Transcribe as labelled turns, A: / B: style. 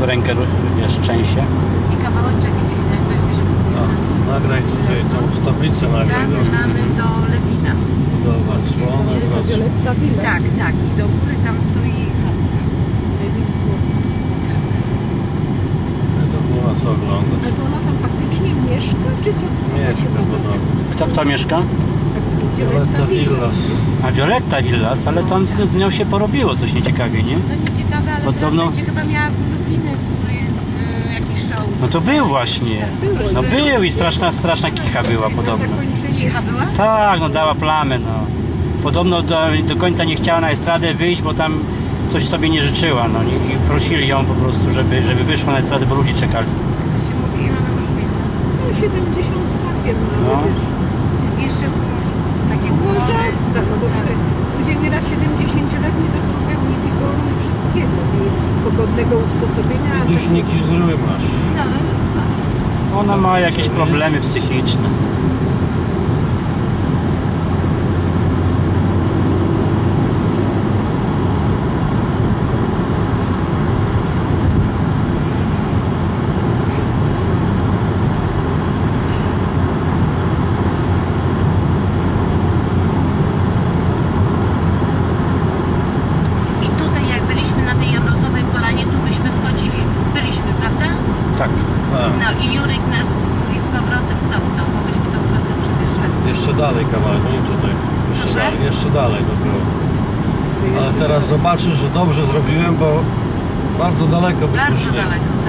A: rękę, wiesz, trzęsie.
B: I kawałeczek byśmy zjechali.
C: Nagraj tutaj tą tablicę, nagraj.
B: Mamy do Lewina.
C: Do Wrocławia.
D: Violetta Villas.
B: Tak, tak. I do góry tam stoi chatka.
C: To było co oglądać.
D: Ale to ona tam faktycznie mieszka, czy to...
C: Mieszka podobno.
A: Kto mieszka?
C: Violetta Villas.
A: A Violetta Villas, ale tam z nią się porobiło coś nieciekawie, nie?
B: To nie ciekawe, ale
A: Podobno-
B: teraz będzie chyba miała w Lublinie swój jakiś show.
A: No to był właśnie. No był i straszna kicha była podobno.
B: Kicha była?
A: Tak, no dała plamę, no. Podobno do końca nie chciała na estradę wyjść, bo tam coś sobie nie życzyła, no i prosili ją po prostu, żeby wyszła na estradę, bo ludzie czekali.
B: To się mówi, ile ona może mieć lat?
D: No 70 z hakiem, no
A: No.
D: ale wiesz...
B: Jeszcze może takie humory.
D: Łożasta, no bo ludzie nieraz 70-letni to są pełni wigoru i wszystkiego. I pogodnego usposobienia. a
C: Już niki zły masz.
B: No, już masz.
A: Ona ma jakieś problemy psychiczne.
B: I tutaj jak byliśmy na tej Jamrozowej Polanie, tu byśmy schodzili, byliśmy, prawda?
A: Tak.
B: No i Jurek nas mówi z powrotem cofnął, bo byśmy tą trasę przewyższali.
C: Jeszcze dalej kawałek, no nie tutaj.
B: Proszę?
C: Jeszcze dalej to było. Ale teraz zobaczysz, że dobrze zrobiłem, bo bardzo daleko byśmy
B: Bardzo
C: szli.
B: daleko.